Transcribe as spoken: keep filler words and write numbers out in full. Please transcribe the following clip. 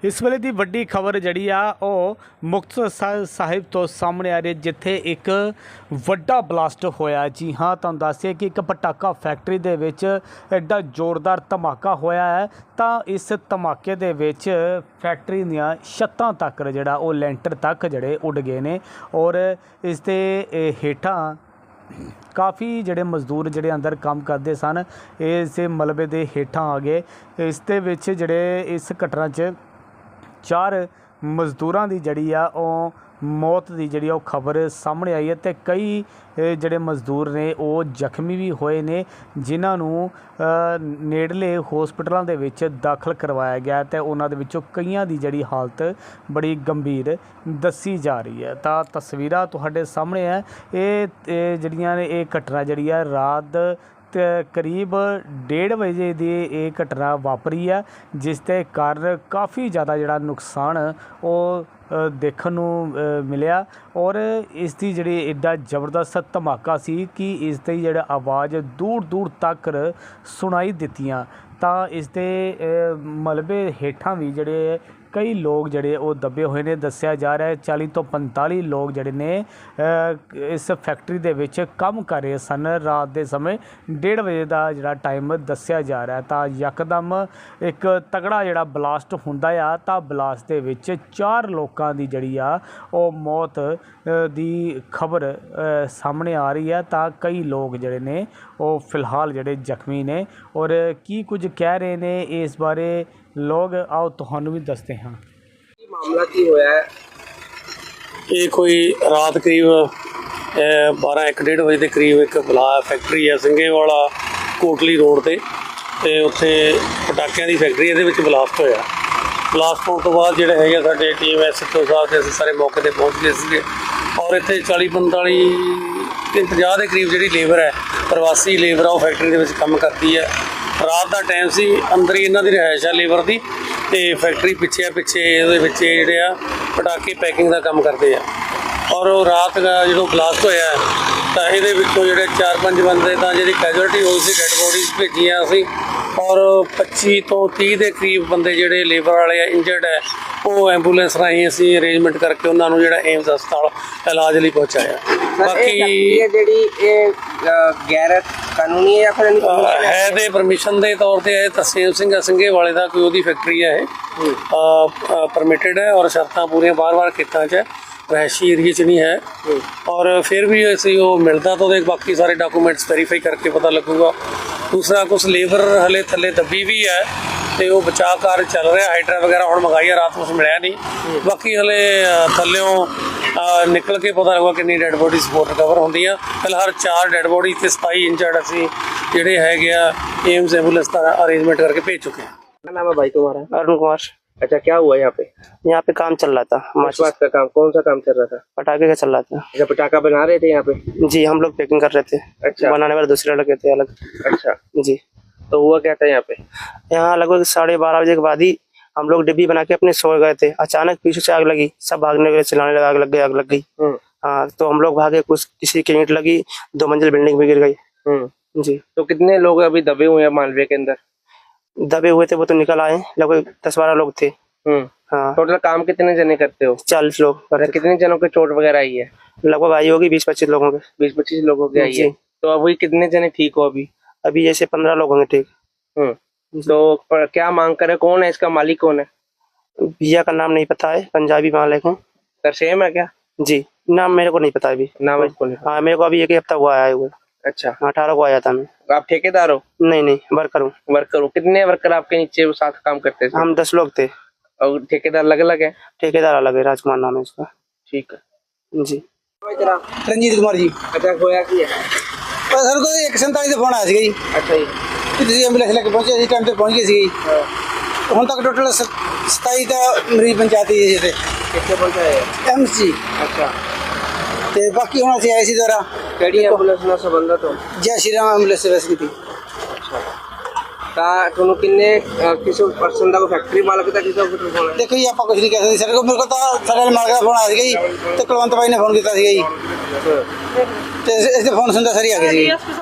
इस वेले की वड्डी खबर जी मुक्तसर साहिब तो सामने आ रही, जिथे एक वड्डा ब्लास्ट होया। जी हाँ, तुहानूं दस्सिए कि एक पटाका फैक्ट्री दे विच एडा जोरदार धमाका होया है। तो इस धमाके दे विच फैक्ट्री दियां छत्तां तक जिहड़ा वो लैंटर तक जिहड़े उड़ गए ने और इस दे हेठां काफ़ी जिहड़े मजदूर जिहड़े अंदर काम करते सन इस मलबे दे हेठां आ गए। इस दे विच जिहड़े इस घटना च चार मजदूरां दी जिहड़ी आ ओह मौत की जी खबर सामने आई है। तो कई जोड़े मजदूर ने वो जख्मी भी होए ने, जिन्होंने नेड़ले होस्पिटलों के विच दाखिल करवाया गया। तो उन्होंने दे विचों कईयां दी जिहड़ी हालत बड़ी गंभीर दसी जा रही है। तो तस्वीरां तुहाडे सामने है, ये जिहड़ियां ने ये घटना जिहड़ी है रात करीब डेढ़ बजे की ये घटना वापरी है, जिसके कारण काफ़ी ज़्यादा जिहड़ा नुकसान वो देखण नूं मिलिया। और इसकी जिहड़ी एडा जबरदस्त धमाका सी कि इसकी जिहड़ी आवाज़ दूर दूर तक सुनाई दित्तियां। तो इसके मलबे हेठां भी जिहड़े कई लोग जिहड़े वो दबे हुए ने। दस्सिया जा रहा है चाली तो पंताली लोग जिहड़े ने इस फैक्ट्री दे विच काम कर रहे सन। रात के समय डेढ़ बजे का जिहड़ा टाइम दस्सिया जा रहा है। तो यकदम एक तगड़ा जिहड़ा ब्लास्ट हुंदा आ, तो ब्लास्ट दे विच चार लोगों की जिहड़ी आ वो मौत दी खबर सामने आ रही है। तो कई लोग जिहड़े ने वो फिलहाल जिहड़े जख्मी ने और की कुछ कह रहे ने इस बारे लोग, आओ तुहानू भी दसते हैं। मामला की होया है? ये कोई रात करीब बारह एक डेढ़ बजे के करीब एक बला फैक्ट्री है ਸਿੰਘੇ वाला कोटली रोड ਤੇ ਤੇ ਉੱਥੇ ਪਟਾਕਿਆਂ ਦੀ ਫੈਕਟਰੀ ਇਹਦੇ ਵਿੱਚ ਬਲਾਸਟ ਹੋਇਆ। ਬਲਾਸਟ ਹੋਣ ਤੋਂ ਬਾਅਦ ਜਿਹੜੇ ਹੈਗੇ ਸਾਡੇ ਟੀਮ ਐਸਐਚਓ ਸਾਹਿਬ ਤੇ ਅਸੀਂ ਸਾਰੇ ਮੌਕੇ ਤੇ ਪਹੁੰਚ ਗਏ ਸੀਗੇ ਔਰ ਇੱਥੇ ਚਾਲੀ ਪੰਤਾਲੀ ਤੇ ਪੰਜਾਹ ਦੇ ਕਰੀਬ ਜਿਹੜੀ ਲੇਬਰ ਹੈ ਪ੍ਰਵਾਸੀ ਲੇਬਰ ਆ ਉਹ ਫੈਕਟਰੀ ਦੇ ਵਿੱਚ ਕੰਮ ਕਰਦੀ ਹੈ। ਰਾਤ ਦਾ ਟਾਈਮ ਸੀ, ਅੰਦਰ ਹੀ ਇਹਨਾਂ ਦੀ ਰਿਹਾਇਸ਼ ਆ ਲੇਬਰ ਦੀ ਤੇ ਫੈਕਟਰੀ ਪਿੱਛੇ ਆ, ਪਿੱਛੇ ਇਹਦੇ ਵਿੱਚ ਜਿਹੜੇ ਆ ਪਟਾਕੇ ਪੈਕਿੰਗ ਦਾ ਕੰਮ ਕਰਦੇ ਆ। ਔਰ ਉਹ ਰਾਤ ਦਾ ਜਦੋਂ ਬਲਾਸਟ ਹੋਇਆ ਤਾਂ ਇਹਦੇ ਵਿੱਚੋਂ ਜਿਹੜੇ ਚਾਰ ਪੰਜ ਬੰਦੇ ਤਾਂ ਜਿਹੜੀ ਕੈਜੁਅਲਟੀ ਹੋਈ ਸੀ, ਡੈਡ ਬੋਡੀਜ਼ ਭੇਜੀਆਂ ਅਸੀਂ ਔਰ ਪੱਚੀ ਤੋਂ ਤੀਹ ਦੇ ਕਰੀਬ ਬੰਦੇ ਜਿਹੜੇ ਲੇਬਰ ਵਾਲੇ ਆ ਇੰਜਰਡ ਹੈ ਉਹ ਐਂਬੂਲੈਂਸ ਰਾਹੀਂ ਅਸੀਂ ਅਰੇਂਜਮੈਂਟ ਕਰਕੇ ਉਹਨਾਂ ਨੂੰ ਜਿਹੜਾ ਏਮਸ ਹਸਪਤਾਲ ਇਲਾਜ ਲਈ ਪਹੁੰਚਾਇਆ। ਬਾਕੀ ਜਿਹੜੀ ਇਹ ਗੈਰ ਕਾਨੂੰਨੀ ਹੈ ਜਾਂ ਫਿਰ ਹੈ ਤੇ ਪਰਮਿਸ਼ਨ ਦੇ ਤੌਰ ਤੇ ਇਹ ਤਸੀਮ ਸਿੰਘ ਸਿੰਘੇ ਵਾਲੇ ਦਾ ਕੋਈ ਉਹਦੀ ਫੈਕਟਰੀ ਹੈ, ਇਹ ਪਰਮਿਟਡ ਹੈ ਔਰ ਸ਼ਰਤਾਂ ਪੂਰੀਆਂ ਬਾਰ-ਬਾਰ ਖੇਤਾਂ 'ਚ रहायशी एरिए च नहीं है। और फिर भी ऐसे वो मिलता तो बाकी सारे डॉकूमेंट्स वेरीफाई करके पता लगूगा। दूसरा कुछ लेबर हले थले दबी भी है तो वो बचाव कार्य चल रहा है, हाइड्रा वगैरह हम मंगाई है, रात कुछ मिलया नहीं। बाकी हले थल्लों निकल के पता लगेगा कितनी डैड बॉडी सपोर्ट रिकवर होंगी। फिलहाल चार डैड बॉडी ते सताई इंजर्ड असी जिहड़े हैगे आ एम्स एंबूलेंस का अरेंजमेंट करके भेज चुके हैं। क्या नाम है भाई तुम्हारा? अरुण कुमार। अच्छा, क्या हुआ यहाँ पे? यहाँ पे काम चल रहा था, किस बात का काम? कौन सा काम चल रहा था? पटाखे का चल रहा था। अच्छा, पटाखा बना रहे थे यहाँ पे? जी, हम लोग पैकिंग कर रहे थे। अच्छा, बनाने वाले दूसरे लगे थे अलग। अच्छा जी, तो हुआ क्या था यहाँ पे? यहाँ लगभग साढ़े बारह बजे के बाद ही हम लोग डिब्बी बना के अपने सो गए थे। अचानक पीछे से आग लगी, सब भागने के लिए चिल्लाने लगा, आग लग गई, आग लग गई। हाँ, तो हम लोग भागे, कुछ किसी की ईंट लगी, दो मंजिल बिल्डिंग भी गिर गई। जी, तो कितने लोग अभी दबे हुए हैं मालवे के अंदर? दबे हुए थे वो तो निकल आए, लगभग दस बारह लोग थे। हाँ, टोटल काम कितने जने करते हो? चालीस लोग। कितने जनों के चोट वगैरह आई है? लगभग आई होगी बीस पच्चीस लोगों के। बीस पच्चीस लोगों की आई है। तो अभी कितने जने ठीक हो? अभी अभी जैसे पंद्रह लोग होंगे ठीक। तो पर क्या मांग करे? कौन है इसका मालिक? कौन है? भैया का नाम नहीं पता है, पंजाबी मालिक है। सर सेम है क्या? जी, नाम मेरे को नहीं पता अभी। नाम आपको नहीं? हाँ, मेरे को अभी एक ही हफ्ता हुआ आया हुआ। अच्छा, अठारह को आया था मैं। आप ठेकेदार हो? नहीं नहीं, वर्कर हूँ। वर्कर हो? कितने वर्कर आपके नीचे साथ काम करते थे? हम दस लोग थे। और ठेकेदार अलग अलग है? ठेकेदार अलग है, राजकुमार नाम है उसका। ठीक है जी। रंजीत कुमार जी। अच्छा, होया की है? सर को एक सैंतालीस का फोन आया ਸੀ ਜੀ। अच्छा जी, ਕਿ ਤੁਸੀਂ ਐਂਬੂਲੈਂਸ ਲੈ ਕੇ ਪਹੁੰਚੇ ਸੀ, ਟਾਈਮ ਤੇ ਪਹੁੰਚ ਗਏ ਸੀ। ਹੁਣ ਤੱਕ ਟੋਟਲ सताई ਦਾ ਮਰੀਜ਼ ਪੰਚਾਇਤੀ ਜੀ ਤੇ कितने पहुंचाए? ਐਮਸ ਜੀ। अच्छा, ਤੇ ਬਾਕੀ ਹੁਣ ਅਸੀਂ ਆਏ ਸੀ ਦੁਆਰਾ केड़ी एंबुलेंस ਨਾਲ ਸੰਬੰਧਤ ਹੋ? ਜੈ ਸ਼੍ਰੀ ਰਾਮ ਐਂਬੂਲੈਂਸ ਸਰਵਿਸ ਕੀਤੀ। ਤਾਂ ਤੁਹਾਨੂੰ ਕਿੰਨੇ ਕਿਸੇ ਪਰਸਨ ਦਾ ਕੋਈ ਫੈਕਟਰੀ ਮਾਲਕ ਦਾ ਕਿਸੇ ਦਾ ਫੋਨ ਹੈ? ਦੇਖੋ ਜੀ ਆਪਾਂ ਕੁਝ ਨਹੀਂ ਕਹਿ ਸਕਦੇ, ਸਾਡੇ ਕੋਲ ਮੇਰੇ ਕੋਲ ਤਾਂ ਸਾਡੇ ਮਾਲਕ ਦਾ ਫੋਨ ਆਇਆ ਸੀਗਾ ਜੀ ਤੇ ਕੁਲਵੰਤ ਬਾਈ ਨੇ ਫੋਨ ਕੀਤਾ ਸੀਗਾ ਜੀ ਤੇ ਇਸ ਦੇ ਫੋਨ ਸੁਣਦਾ ਸਾਰੀ ਆ ਗਏ ਸੀ।